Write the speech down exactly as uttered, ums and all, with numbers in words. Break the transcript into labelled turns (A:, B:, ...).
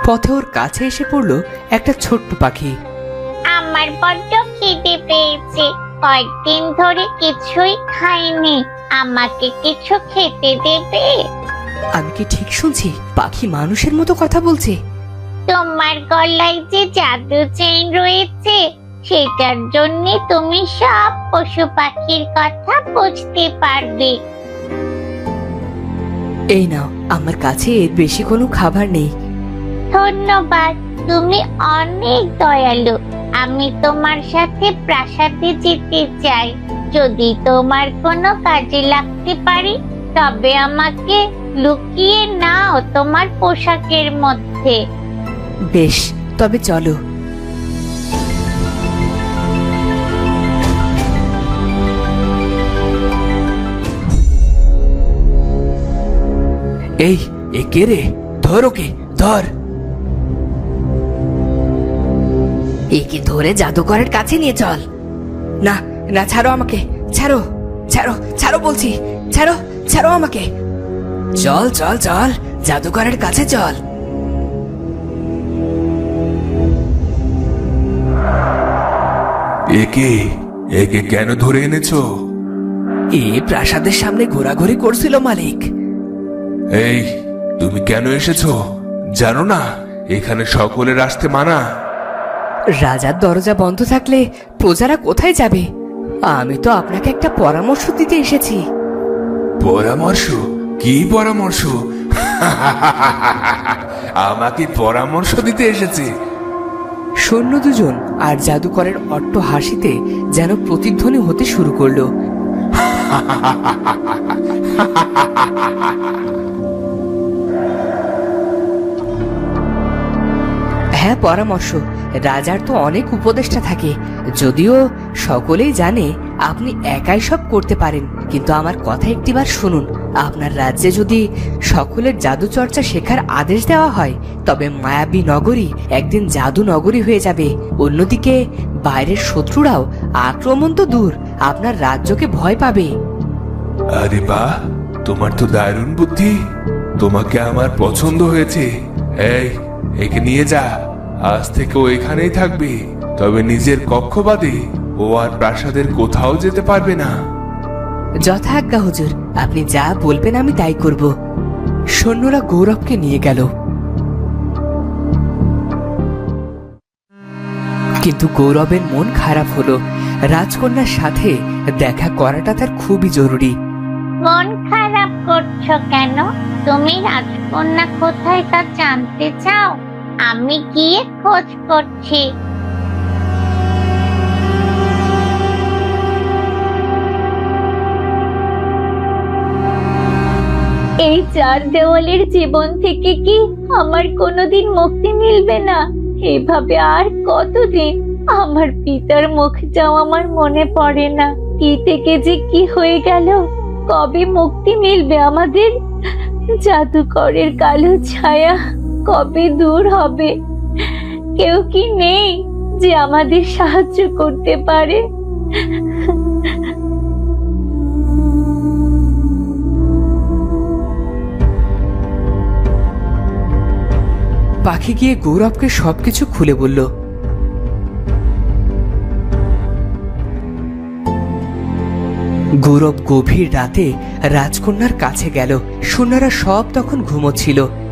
A: পথে ওর কাছে এসে পড়লো একটা ছোট্ট পাখি।
B: আমার বড্ড খিদে পেয়েছে, কয়েকদিন ধরে কিছুই খাইনি, আমাকে কিছু খেতে দেবে?
A: আমি কি ঠিক শুনছি? পাখি মানুষের মতো কথা বলছে।
B: তোমার গলায় যে জাদু চেইন রয়েছে, সেটার জন্য তুমি সব পশু পাখির কথা বুঝতে পারবে।
A: এই নাও, আমার কাছে এর বেশি কোনো খাবার নেই।
B: ধন্যবাদ, তুমি অনেক দয়ালু। আমি তোমার সাথে প্রাসাদে যেতে চাই। যদি তোমার কোনো কাজে লাগতে পারি, তবে আমাকে লুকিয়ে নাও তোমার পোশাকের মধ্যে।
A: বেশ, তবে চলো। এই, এ কে রে? ধর ওকে, ধর। একে ধরে জাদুকরের কাছে নিয়ে চল। না না, ছাড়ো আমাকে, ছাড়ো ছাড়ো ছাড়ো বলছি, ছাড়ো ছাড়ো আমাকে। চল চল চল, জাদুকরের কাছে চল।
C: একে একে কেন ধরে এনেছো?
A: এ প্রাসাদের সামনে ঘোরাঘুরি করছিল মালিক।
C: এই, তুমি কেন এসেছো? জানো না এখানে সকলের আসতে মানা?
A: রাজার দরজা বন্ধ থাকলে প্রজারা কোথায় যাবে? আমি তো আপনাকে একটা পরামর্শ দিতে এসেছি।
C: পরামর্শ? কি পরামর্শ? আমাকে পরামর্শ দিতে এসেছে?
A: সৈন্য দুজন আর জাদুকরের অট্ট হাসিতে যেন প্রতিধ্বনি হতে শুরু করলো। হ্যাঁ, পরামর্শ। রাজার তো অনেক উপদেষ্টা থাকে, যদিও সকলেই জানে আপনি একাই সব করতে পারেন। কিন্তু আমার কথা একটিবার শুনুন। আপনার রাজ্যে যদি সকলের জাদু চর্চা শেখার আদেশ দেওয়া হয়, তবে মায়াবী নগরী একদিন জাদু নগরী হয়ে যাবে। অন্যদিকে বাইরের শত্রুরাও আক্রমণ তো দূর, আপনার রাজ্যকে ভয় পাবে।
C: আরে বাহ, তোমার তো দারুণ বুদ্ধি। তোমাকে আমার পছন্দ হয়েছে। এই, একে নিয়ে যা। আজ থেকে ও এখানেই থাকবে, তবে নিজের কক্ষ বাদে ও আর প্রাসাদের কোথাও যেতে পারবে না।
A: যথাজ্ঞা হুজুর, আপনি যা বলবেন আমি তাই করব। সৈন্যরা গৌরবকে নিয়ে গেল, কিন্তু গৌরবের মন খারাপ হলো। রাজকন্যার সাথে দেখা করাটা তার খুবই জরুরি।
B: মন খারাপ করছো কেন? তুমি রাজকন্যা কোথায় তা জানতে চাও? আমি গিয়ে খোঁজ করছি। এই চার দেওয়ালের জীবন থেকে কি আমার কোনোদিন মুক্তি মিলবে না? এভাবে আর কতদিন? আমার পিতার মুখটাও আমার মনে পড়ে না। কি থেকে যে কি হয়ে গেল? কবে মুক্তি মিলবে আমাদের? জাদুকরের কালো ছায়া কবে দূর হবে? কেউ কি নেই যে আমাদের সাহায্য করতে পারে?
A: পাখি গিয়ে গৌরবকে সবকিছু খুলে বলল। গৌরব গভীর রাতে রাজকন্যার কাছে গেল। সৈন্যরা সব তখন ঘুমোচ্ছিল।